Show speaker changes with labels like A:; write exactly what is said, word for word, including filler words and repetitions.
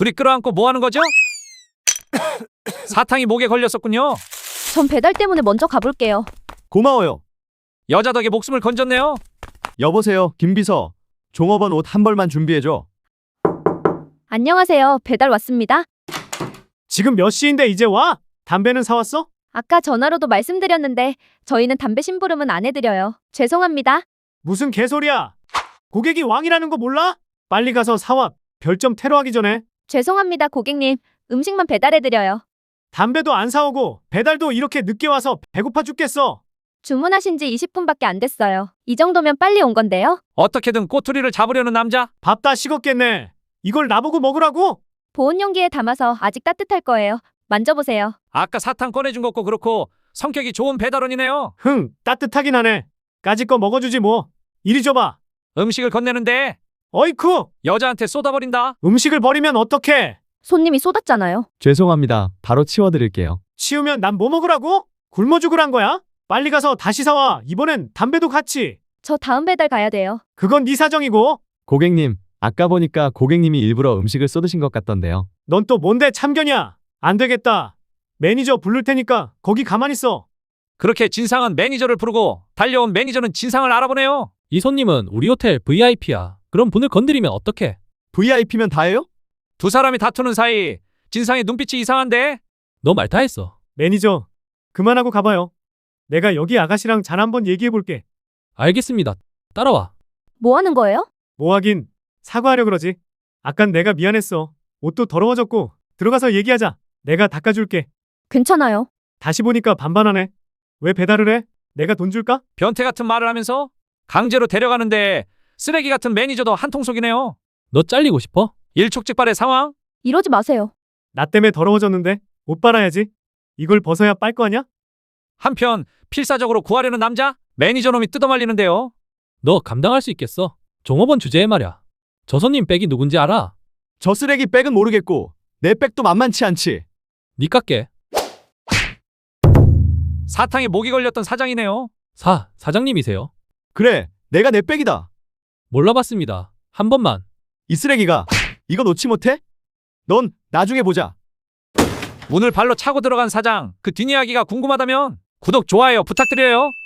A: 둘이 끌어안고 뭐 하는 거죠? 사탕이 목에 걸렸었군요.
B: 전 배달 때문에 먼저 가볼게요.
C: 고마워요.
A: 여자 덕에 목숨을 건졌네요.
C: 여보세요, 김비서. 종업원 옷 한 벌만 준비해줘.
B: 안녕하세요. 배달 왔습니다.
D: 지금 몇 시인데 이제 와? 담배는 사왔어?
B: 아까 전화로도 말씀드렸는데 저희는 담배 심부름은 안 해드려요. 죄송합니다.
D: 무슨 개소리야. 고객이 왕이라는 거 몰라? 빨리 가서 사와. 별점 테러하기 전에.
B: 죄송합니다, 고객님. 음식만 배달해드려요.
D: 담배도 안 사오고 배달도 이렇게 늦게 와서 배고파 죽겠어.
B: 주문하신 지 이십 분밖에 안 됐어요. 이 정도면 빨리 온 건데요.
A: 어떻게든 꼬투리를 잡으려는 남자.
D: 밥 다 식었겠네. 이걸 나보고 먹으라고?
B: 보온 용기에 담아서 아직 따뜻할 거예요. 만져보세요.
A: 아까 사탕 꺼내준 것고 그렇고 성격이 좋은 배달원이네요.
D: 흥, 따뜻하긴 하네. 까짓 거 먹어주지 뭐. 이리 줘봐.
A: 음식을 건네는데
D: 어이쿠!
A: 여자한테 쏟아버린다.
D: 음식을 버리면 어떡해?
B: 손님이 쏟았잖아요.
C: 죄송합니다. 바로 치워드릴게요.
D: 치우면 난 뭐 먹으라고? 굶어 죽으란 거야? 빨리 가서 다시 사와. 이번엔 담배도 같이.
B: 저 다음 배달 가야 돼요.
D: 그건 네 사정이고.
C: 고객님, 아까 보니까 고객님이 일부러 음식을 쏟으신 것 같던데요.
D: 넌 또 뭔데 참견이야? 안 되겠다. 매니저 부를 테니까 거기 가만히 있어.
A: 그렇게 진상은 매니저를 부르고 달려온 매니저는 진상을 알아보네요.
E: 이 손님은 우리 호텔 브이아이피야. 그럼 분을 건드리면 어떡해?
C: 브이아이피면 다예요?
A: 두 사람이 다투는 사이 진상의 눈빛이 이상한데.
E: 너 말 다 했어.
D: 매니저, 그만하고 가봐요. 내가 여기 아가씨랑 잘 한번 얘기해볼게.
E: 알겠습니다. 따라와.
B: 뭐 하는 거예요?
D: 뭐 하긴 사과하려 그러지. 아깐 내가 미안했어. 옷도 더러워졌고 들어가서 얘기하자. 내가 닦아줄게.
B: 괜찮아요.
D: 다시 보니까 반반하네. 왜 배달을 해? 내가 돈 줄까?
A: 변태 같은 말을 하면서 강제로 데려가는데 쓰레기 같은 매니저도 한통속이네요.
E: 너 잘리고 싶어?
A: 일촉즉발의 상황.
B: 이러지 마세요.
D: 나 때문에 더러워졌는데 옷 빨아야지. 이걸 벗어야 빨 거 아냐?
A: 한편 필사적으로 구하려는 남자. 매니저 놈이 뜯어말리는데요.
E: 너 감당할 수 있겠어? 종업원 주제에 말야. 저 손님 백이 누군지 알아?
C: 저 쓰레기 백은 모르겠고 내 백도 만만치 않지.
E: 니 깎게.
A: 사탕에 목이 걸렸던 사장이네요.
E: 사, 사장님이세요?
C: 그래, 내가 내 백이다.
E: 몰라봤습니다. 한 번만.
C: 이 쓰레기가 이거 놓지 못해? 넌 나중에 보자.
A: 문을 발로 차고 들어간 사장. 그 뒷이야기가 궁금하다면 구독, 좋아요 부탁드려요.